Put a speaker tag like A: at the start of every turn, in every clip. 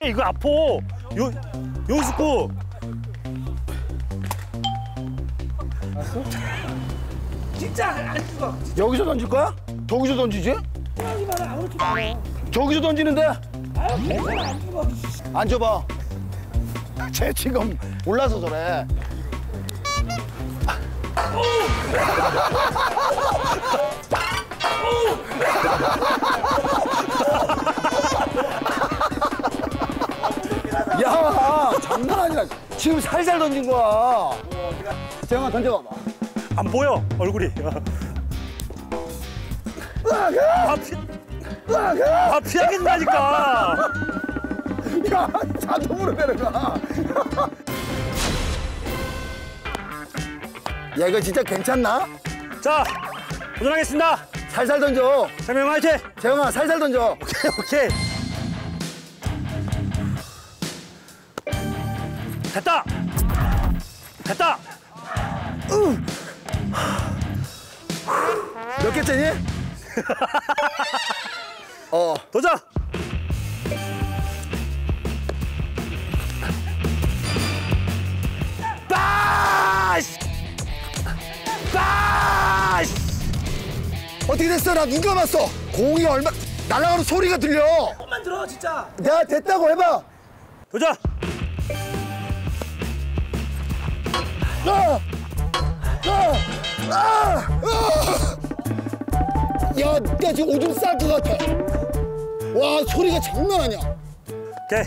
A: 이거 아파. 연습구.
B: 진짜 안 죽어.
C: 여기서 던질 거야? 저기서 던지지?
B: 생각이만 아무렇지도 않아.
C: 저기서 던지는데?
B: 아유, 괜찮아, 안 죽어.
C: 앉아봐. 쟤 지금 올라서 저래. 야, 장난 아니야. 지금 살살 던진 거야. 재영아 던져봐봐.
A: 안 보여 얼굴이. 피하겠다니까.
C: 야, 자동으로 내려가. 야, 이거 진짜 괜찮나?
A: 자, 도전하겠습니다.
C: 살살 던져.
A: 재명 화이팅.
C: 재영아, 살살 던져.
A: 오케이. 됐다.
C: 몇 개째니?
A: 도전. 빠시.
C: 어떻게 됐어? 나 눈 감았어. 공이 얼마 날아가는 소리가 들려.
B: 조금만 들어, 진짜.
C: 야, 됐다고 해봐.
A: 도전.
C: 야, 나 지금 오줌 쌀 것 같아. 와, 소리가 장난 아니야.
A: 오케이.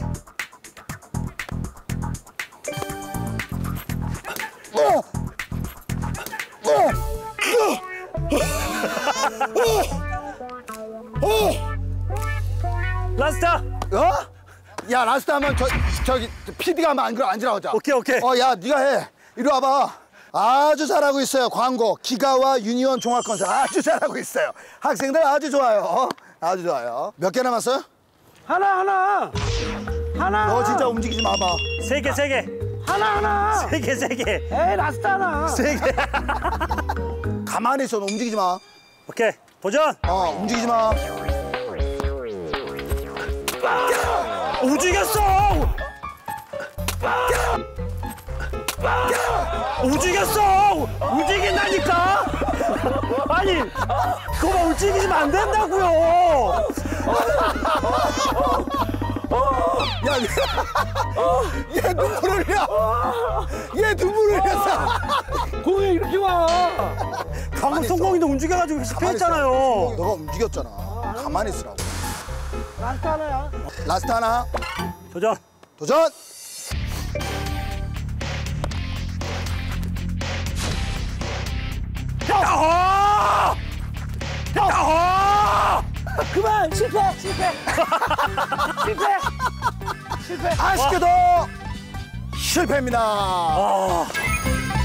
A: 라스트.
C: 야, 라스트 하면 저기 PD가 하면 안 지나가자.
A: 오케이.
C: 야, 네가 해. 이리 와봐. 아주 잘하고 있어요. 광고. 기가와 유니온 종합 컨셉 아주 잘하고 있어요. 학생들 아주 좋아요. 아주 좋아요. 몇 개 남았어요?
B: 하나.
C: 너 진짜 움직이지 마봐.
A: 세 개.
B: 하나.
A: 세 개.
B: 에이, 라스트 하나.
C: 세 개. 가만히 있어. 너 움직이지 마.
A: 오케이. 도전.
C: 움직이지 마.
A: 움직였어. 움직인다니까. 아니, 그거 움직이시면 안 된다고요.
C: 야, 얘 눈물 흘려. 얘 눈물 흘렸어.
B: 공이 이렇게 와.
A: 방금 성공인데 움직여가지고 실패했잖아요.
C: 너가 움직였잖아. 가만히 있으라고.
B: 라스트 하나야.
C: 라스트 하나.
A: 도전.
B: 그만, 실패.
C: 아쉽게도 실패입니다.